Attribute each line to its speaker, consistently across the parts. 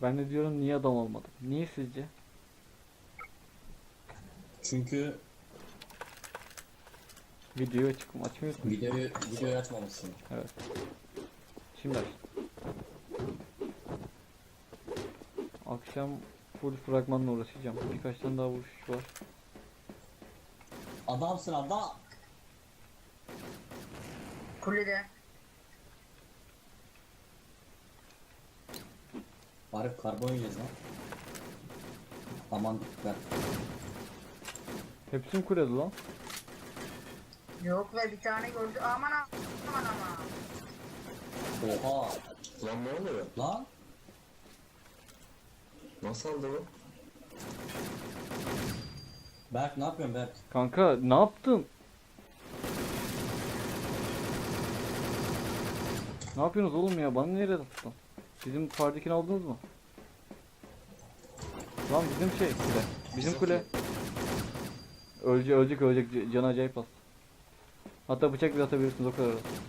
Speaker 1: Ben de diyorum niye adam olmadım? Niye sizce?
Speaker 2: Çünkü
Speaker 1: Videoyu açmıyorsun.
Speaker 2: videoyu açmamışsın.
Speaker 1: Evet. Şimdi aç. Akşam full fragmanla uğraşacağım. Birkaç tane daha vuruş var.
Speaker 2: Adamsın adam.
Speaker 3: Kulede.
Speaker 2: Arif karbon yiyeceğiz lan. Aman dikkat.
Speaker 1: Hepsi mi kulede lan?
Speaker 3: Yok ve bir tane gördü. Aman aman aman.
Speaker 2: Oha.
Speaker 4: Lan ne oluyor?
Speaker 2: Lan.
Speaker 4: Nasıl oldu bu?
Speaker 2: Berk ne yapıyorsun Berk?
Speaker 1: Kanka ne yaptın? Ne yapıyorsunuz oğlum ya? Bana nereye tuttun? Bizim fardikini aldınız mı? Lan bizim şey kule. Bizim kule. Ölecek. Canı acayip az. Hatta bıçak bile atabilirsiniz o kadar.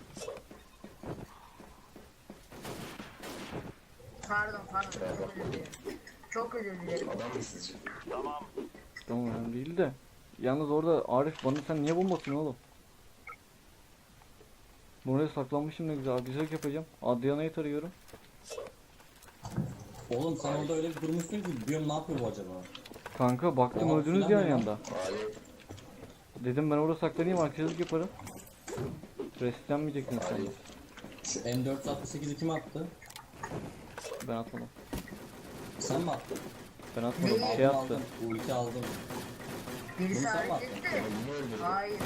Speaker 3: Pardon. Çok özür dilerim. Çok özür dilerim.
Speaker 4: Adam mı sizce?
Speaker 1: Tamam yani değil de. Yalnız orada Arif bana sen niye bomba atıyorsun oğlum? Buraya saklanmışım ne güzel. Güzel yapacağım. Adriana'yı tarıyorum.
Speaker 2: Oğlum sen orada öyle bir durmuşsun ki diyorum ne yapıyor bu acaba?
Speaker 1: Kanka baktım
Speaker 2: Aa,
Speaker 1: öldünüz
Speaker 2: filan
Speaker 1: ya
Speaker 2: mı lan?
Speaker 1: yanda.
Speaker 4: Hayır.
Speaker 1: Dedim ben orada saklanayım arkadaşlık yaparım. Restlenmeyecektin sen de.
Speaker 2: Şu M468'i kim attı?
Speaker 1: Ben atmadım.
Speaker 2: Sen mi attın?
Speaker 1: Ben atmadım.
Speaker 3: Ne?
Speaker 1: Şey
Speaker 2: Aldım,
Speaker 1: attı.
Speaker 2: aldım. Bu iki aldım.
Speaker 3: Birisi
Speaker 2: Bunu sen mi
Speaker 3: hareket etti.
Speaker 4: Niye öldürdün?
Speaker 3: Hayır.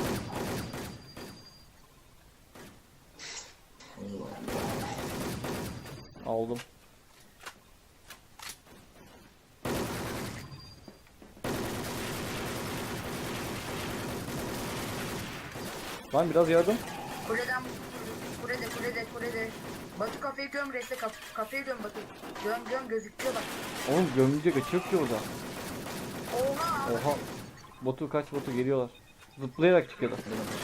Speaker 1: Aldım. Lan biraz yardım.
Speaker 3: Kuleden kulede. Batu kafayı göm reste kafayı göm Batu. Göm gözüküyor bak.
Speaker 1: Oğlum gömülecek açı yok ki orada.
Speaker 3: Oha.
Speaker 1: Oha. Botu kaç botu geliyorlar. Zıplayarak çıkıyorlar.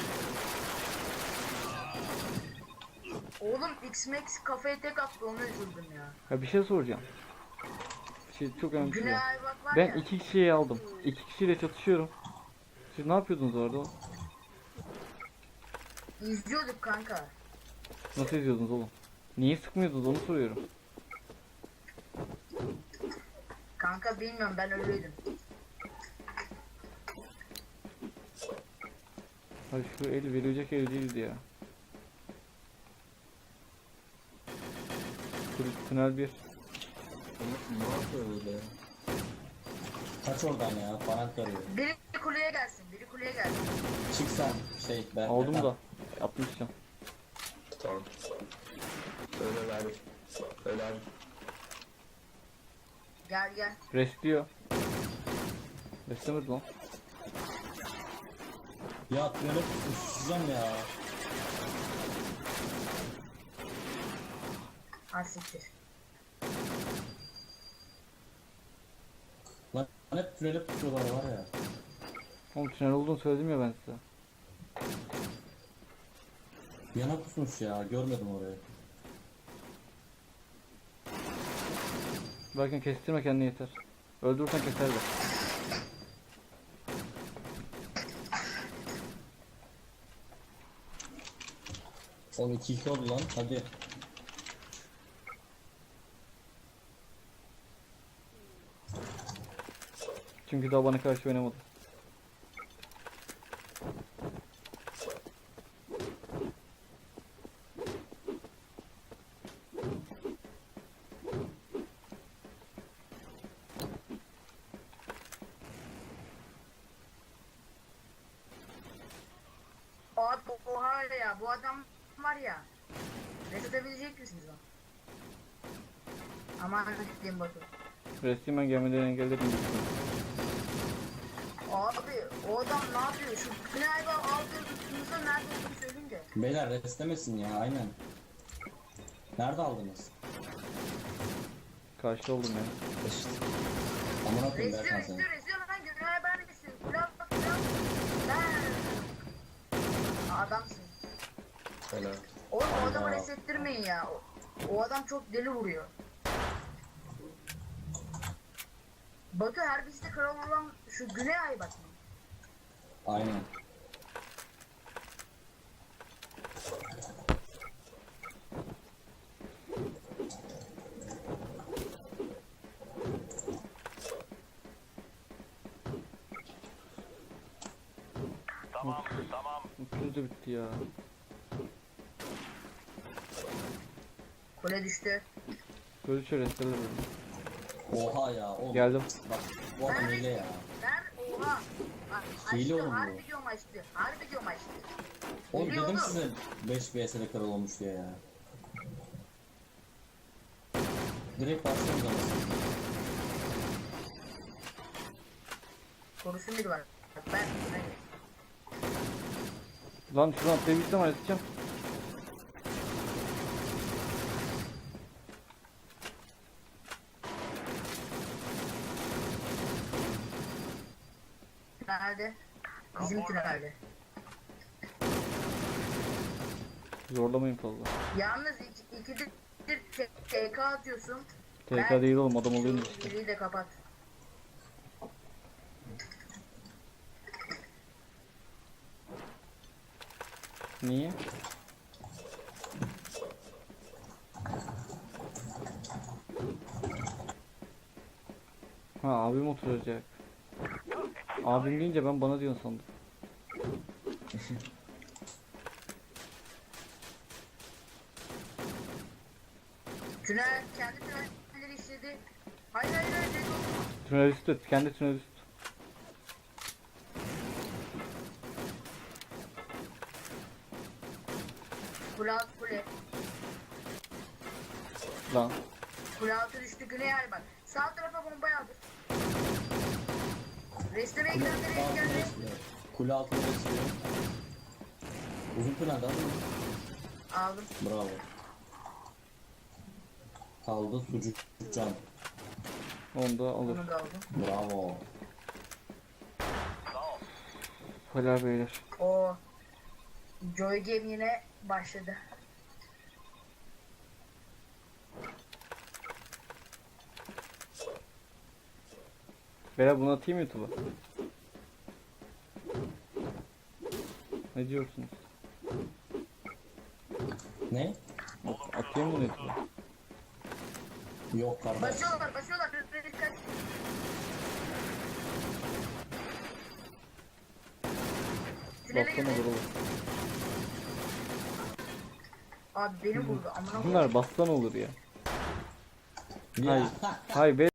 Speaker 3: Oğlum X-Max kafaya tek attı onu üzüldüm ya.
Speaker 1: Ya bir şey soracağım. Çok önemli bir şey
Speaker 3: Güney
Speaker 1: var.
Speaker 3: Ayvak var
Speaker 1: Ben
Speaker 3: ya.
Speaker 1: iki kişiyi aldım. İki kişiyle çatışıyorum. Siz ne yapıyordunuz orada?
Speaker 3: İzliyorduk kanka.
Speaker 1: Nasıl izliyordunuz oğlum? Niye sıkmıyordunuz onu soruyorum.
Speaker 3: Kanka bilmiyorum ben öyleydim.
Speaker 1: Hadi şu el verilecek el değildi ya. Tünel 1.
Speaker 4: Ne yapıyor böyle ya?
Speaker 2: Kaç oradan ya? Parank arıyor.
Speaker 3: Biri kuleye gelsin.
Speaker 2: Çık sen şey Berk.
Speaker 1: Aldım da. Yapmışım.
Speaker 4: Tamam. Öyle verdik. Öyle abi.
Speaker 3: Gel.
Speaker 1: Restliyor. Restlemedi lan.
Speaker 2: Ya tünele uçacağım ya.
Speaker 3: Ha siktir.
Speaker 2: Lan hep tünele tutuyorlar var ya.
Speaker 1: Oğlum tünel olduğunu söyledim ya ben size.
Speaker 2: Yana kusmuş ya. Görmedim orayı.
Speaker 1: Belki kestirme kendini yeter. Öldürürsen keser de.
Speaker 2: Oğlum 2-2 oldu lan. Hadi.
Speaker 1: Çünkü daha bana karşı oynamadı.
Speaker 3: Oha ya bu adam var ya. Reset edebilecek misiniz o? Aman diyeyim Batu.
Speaker 1: Restlemen gelmeden engelledim.
Speaker 3: Abi o adam ne yapıyor? Şu Güney Ayvak aldığı tuttuğunuzda nerede olduğunu söyleyeyim de.
Speaker 2: Beyler restlemesin ya aynen. Nerede aldınız?
Speaker 1: Karşı oldum ya.
Speaker 2: Amına koyayım Berkan seni.
Speaker 3: Resiyor lan Güney Ayvak resiyor. Pilav. Adamsın.
Speaker 4: Öyle.
Speaker 3: Oğlum o adamı
Speaker 2: Hayda.
Speaker 3: resettirmeyin ya. O adam çok deli vuruyor. Batu Herbis'te kral olan şu Güney Ay bak.
Speaker 2: Aynen.
Speaker 1: Üçüncü de bitti ya.
Speaker 3: Kule düştü.
Speaker 1: Böyle şöyle restore edelim.
Speaker 2: Oha ya oğlum.
Speaker 1: Geldim.
Speaker 2: Bak bu adam hile ya.
Speaker 3: Ben oha.
Speaker 2: Hile
Speaker 3: Açtı
Speaker 2: oğlum bu.
Speaker 3: harbi diyorum açtı. Harbi diyorum açtı.
Speaker 2: Oğlum
Speaker 3: Hile
Speaker 2: dedim
Speaker 3: oğlum.
Speaker 2: size 5 VS'de kral olmuş diye ya. Direkt başlıyoruz ama.
Speaker 3: Korusun biri var. Bak ben.
Speaker 1: Lan şuradan atlayabilsem halledeceğim.
Speaker 3: Nerede? Bizim tünelde.
Speaker 1: Zorlamayın fazla.
Speaker 3: Yalnız ikidir TK atıyorsun.
Speaker 1: TK değil oğlum, adam oluyormuş işte.
Speaker 3: Biriyi de kapat.
Speaker 1: Niye? Ha, abim oturacak. Abim deyince ben bana diyorsun sandım.
Speaker 3: Tünel kendi tünelleri işledi. Hayır hayır hayır. Red oldu.
Speaker 1: Tünel üstü, kendi tünel üstü.
Speaker 3: Kule altı kule.
Speaker 1: Lan.
Speaker 3: Kule altı düştü Güney Ay bak. Sağ tarafa bomba yağdır. Restore'ye
Speaker 2: Kule
Speaker 3: göndereyim
Speaker 2: altını
Speaker 3: geldi.
Speaker 2: besliyor. Kule altını besliyor. Uzun tünelde aldın mı?
Speaker 3: Aldım.
Speaker 2: Bravo. Kaldı sucuk can.
Speaker 1: Onu da alır.
Speaker 3: Onu da aldım.
Speaker 2: Bravo.
Speaker 1: Helal beyler.
Speaker 3: O Joy Game yine başladı.
Speaker 1: Beyler bunu atayım YouTube'a. Ne diyorsunuz?
Speaker 2: Ne?
Speaker 1: Atayım bunu YouTube'a.
Speaker 2: Yok kardeş.
Speaker 3: Basıyorlar basıyorlar. Dikkat. Tünele
Speaker 1: Bastan
Speaker 3: girdi.
Speaker 1: olur olur.
Speaker 3: Abi beni vurdu. Amına koyayım.
Speaker 1: Bunlar bastan olur ya.
Speaker 2: Ya.
Speaker 1: Hayır be.